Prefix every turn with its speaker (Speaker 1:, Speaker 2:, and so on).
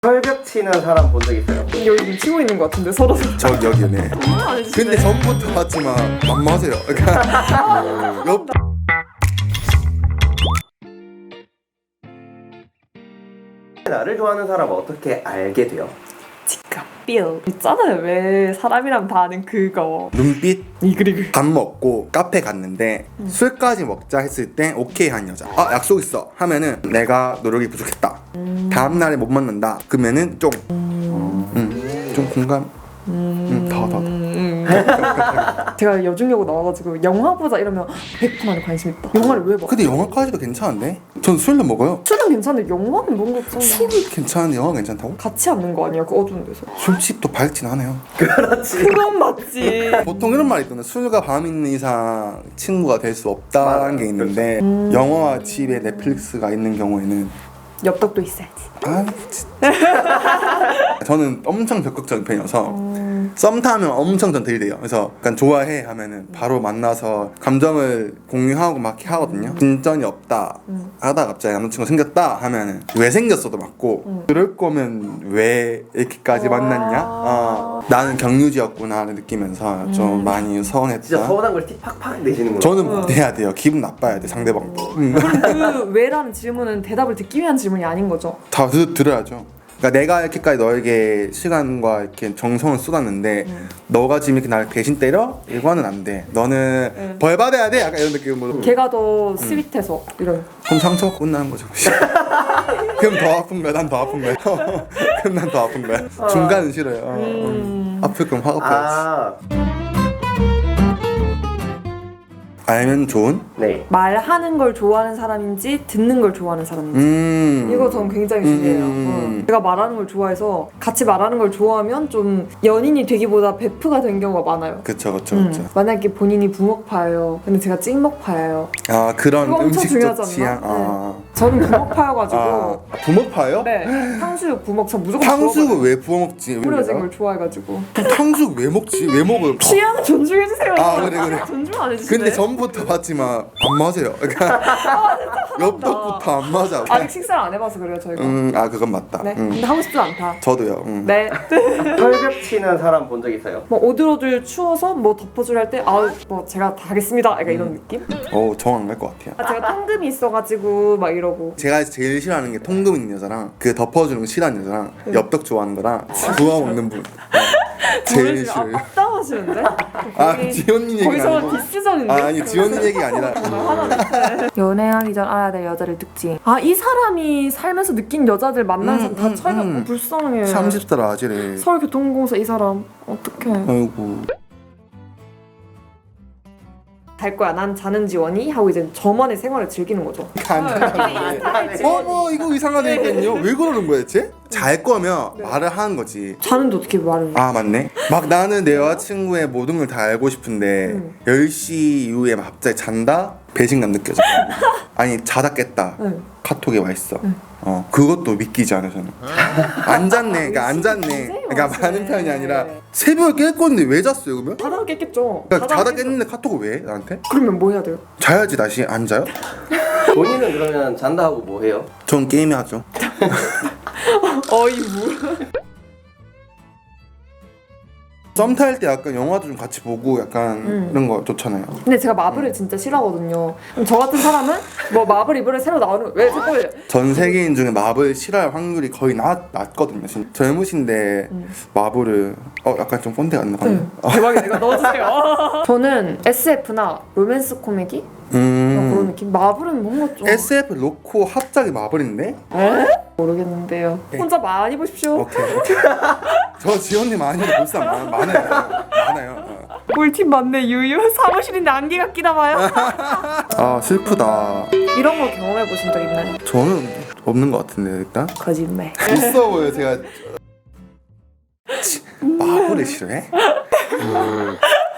Speaker 1: 철벽 치는 사람 본 적 있어요?
Speaker 2: 여기 좀 치고 있는 것 같은데 서로.
Speaker 3: 저 여기네.
Speaker 2: 안 해주시네.
Speaker 3: 근데 전부터 봤지만 만마세요. 그러니까 옆
Speaker 1: 나를 좋아하는 사람은 어떻게 알게 돼요?
Speaker 2: 직감 삘 있잖아요. 왜 사람이랑 다 아는 그거.
Speaker 3: 눈빛
Speaker 2: 그리고
Speaker 3: 밥 먹고 카페 갔는데 술까지 먹자 했을 때 오케이 한 여자. 아 약속 있어 하면은 내가 노력이 부족했다. 다음 날에 못 만난다. 그러면은 좀 공감.
Speaker 2: 제가 여중여고 나와가지고 영화 보자 이러면 100%만에 관심 있다. 영화를 왜 봐?
Speaker 3: 근데 영화까지도 괜찮은데? 전 술도 먹어요.
Speaker 2: 술은 괜찮은데 영화는 뭔가 좀
Speaker 3: 술이 괜찮은데 영화 괜찮다고?
Speaker 2: 같이 앉는 거 아니야? 그 어두운 데서.
Speaker 3: 술집도 밝진 않아요.
Speaker 1: 그렇지.
Speaker 2: 그건 맞지.
Speaker 3: 보통 이런 말이 있거든요. 술과 밤 있는 이상 친구가 될 수 없다는 게 있는데 영화와 집에 넷플릭스가 있는 경우에는
Speaker 2: 엽떡도 있어야지.
Speaker 3: 아 진짜 저는 엄청 적극적인 편이어서 썸 타면 엄청 전 들이대요. 그래서 약간 좋아해 하면은 바로 만나서 감정을 공유하고 막 이렇게 하거든요. 진전이 없다 하다가 갑자기 남자친구 생겼다 하면은 왜 생겼어도 맞고 그럴 거면 왜 이렇게까지 만났냐? 나는 경유지였구나를 느끼면서 좀 많이 서운했다.
Speaker 1: 진짜 서운한 걸 티 팍팍 내시는구나.
Speaker 3: 저는 내야 돼요. 기분 나빠야 돼 상대방도.
Speaker 2: 그 왜라는 질문은 대답을 듣기 위한 질문이 아닌 거죠.
Speaker 3: 다 들어야죠. 그러니까 내가 이렇게까지 너에게 시간과 이렇게 정성을 쏟았는데 너가 지금 이렇게 나를 대신 때려? 이거는 안 돼. 너는 벌 받아야 돼. 약간 이런 느낌으로.
Speaker 2: 걔가 더 스윗해서 이런.
Speaker 3: 그럼 상처가 끝나는 거죠. 그럼 더 아픈 거야. 난 더 아픈 거야. 그럼 난 더 아픈 거야. 중간은 싫어요. 아플 거면 화가 빠야지. 알면 좋은?
Speaker 1: 네.
Speaker 2: 말하는 걸 좋아하는 사람인지 듣는 걸 좋아하는 사람인지 이거 전 굉장히 중요해요. 제가 말하는 걸 좋아해서 같이 말하는 걸 좋아하면 좀 연인이 되기보다 베프가 된 경우가 많아요.
Speaker 3: 그쵸.
Speaker 2: 만약에 본인이 부먹파예요. 근데 제가 찍먹파예요.
Speaker 3: 아 그런
Speaker 2: 그거 엄청
Speaker 3: 음식적
Speaker 2: 중요하지
Speaker 3: 취향.
Speaker 2: 않나? 저는 부먹파여가지고
Speaker 3: 부먹파요?
Speaker 2: 네 탕수육 부먹 저 무조건
Speaker 3: 탕수육을 왜 부어 먹지?
Speaker 2: 뿌려진 걸 좋아해가지고
Speaker 3: 탕수육 왜 먹지? 왜 먹어요?
Speaker 2: 취향 존중해주세요.
Speaker 3: 아, 그래.
Speaker 2: 존중 안 해주시네.
Speaker 3: 근데 전부터 봤지만 안 맞아요. 그러니까 엽떡부터 안 맞아.
Speaker 2: 아직 식사를 안 해봐서 그래요 저희가.
Speaker 3: 아 그건 맞다.
Speaker 2: 네. 근데 하고 싶지 않다.
Speaker 3: 저도요.
Speaker 2: 네.
Speaker 1: 철벽 치는 사람 본 적 있어요?
Speaker 2: 뭐 오들오들 추워서 뭐 덮어줄 할 때 뭐 제가 다 하겠습니다. 약간 이런 느낌?
Speaker 3: 정안 갈 것 같아요.
Speaker 2: 제가 통금이 있어가지고 막 이러고.
Speaker 3: 제가 제일 싫어하는 게 통금 있는 여자랑 그 덮어주는 거 싫어하는 여자랑 엽떡 좋아하는 거랑 구워 먹는 분. 제일 싫어요.
Speaker 2: 앞담하시는데?
Speaker 3: 지원님 얘기가
Speaker 2: 거기서
Speaker 3: 아니고.
Speaker 2: 디스전인데?
Speaker 3: 아니 지원님 얘기가 아니라.
Speaker 2: 연애하기 전 알아야 될 여자를 특징. 이 사람이 살면서 느낀 여자들 만나서 다 차이가 없고 불쌍해.
Speaker 3: 30살 아지래.
Speaker 2: 서울교통공사 이 사람 어떡해.
Speaker 3: 아이고.
Speaker 2: 잘 거야 난 자는 지원이 하고 이제 저만의 생활을 즐기는 거죠.
Speaker 3: 어머 이거 이상하다니까요. 왜 그러는 거야 대체? 잘 거면 말을 하는 거지.
Speaker 2: 자는데 어떻게 말을
Speaker 3: 아 맞네. 막 나는 내 여자친구의 모든 걸 다 알고 싶은데 10시 이후에 막 갑자기 잔다? 배신감 느껴져. 아니 자다 깼다. 카톡에 와 있어. 그것도 믿기지 않아 저는. 안 잤네. 그러니까 안 잤네. 그러니까 많은 편이 아니라 새벽에 깰 건데 왜 잤어요 그러면?
Speaker 2: 자다가 깼겠죠.
Speaker 3: 그러니까 자다 깼는데 카톡을 왜 해, 나한테?
Speaker 2: 그러면 뭐 해야 돼요?
Speaker 3: 자야지 다시. 안 자요?
Speaker 1: 본인은 그러면 잔다 하고 뭐 해요?
Speaker 3: 전 게임 하죠.
Speaker 2: 어이 뭐.
Speaker 3: 썸 탈 때 약간 영화도 좀 같이 보고 약간 이런 거 좋잖아요.
Speaker 2: 근데 제가 마블을 진짜 싫어하거든요. 그럼 저 같은 사람은 뭐 마블 이번에 새로 나오는 왜 자꾸
Speaker 3: 전 세계인 중에 마블 싫어할 확률이 거의 낮거든요. 진짜. 젊으신데 마블을 약간 좀 꼰대 같나 봐요.
Speaker 2: 대박이다. 이거 넣어주세요. 저는 SF나 로맨스 코미디 그런 느낌. 마블은 뭔가 좀
Speaker 3: SF 놓고 합작이 마블인데?
Speaker 2: 모르겠는데요. 혼자 많이 보십시오.
Speaker 3: 오케이. 저 지원님 아니어도 볼 사람 많아요.
Speaker 2: 꿀팁 맞네 유유. 사무실인데 안개가 끼나 봐요.
Speaker 3: 아 슬프다.
Speaker 2: 이런 거 경험해 보신 적 있나요?
Speaker 3: 저는 없는 것 같은데 일단.
Speaker 2: 거짓말.
Speaker 3: 있어 보여 제가. 마블을 싫어해?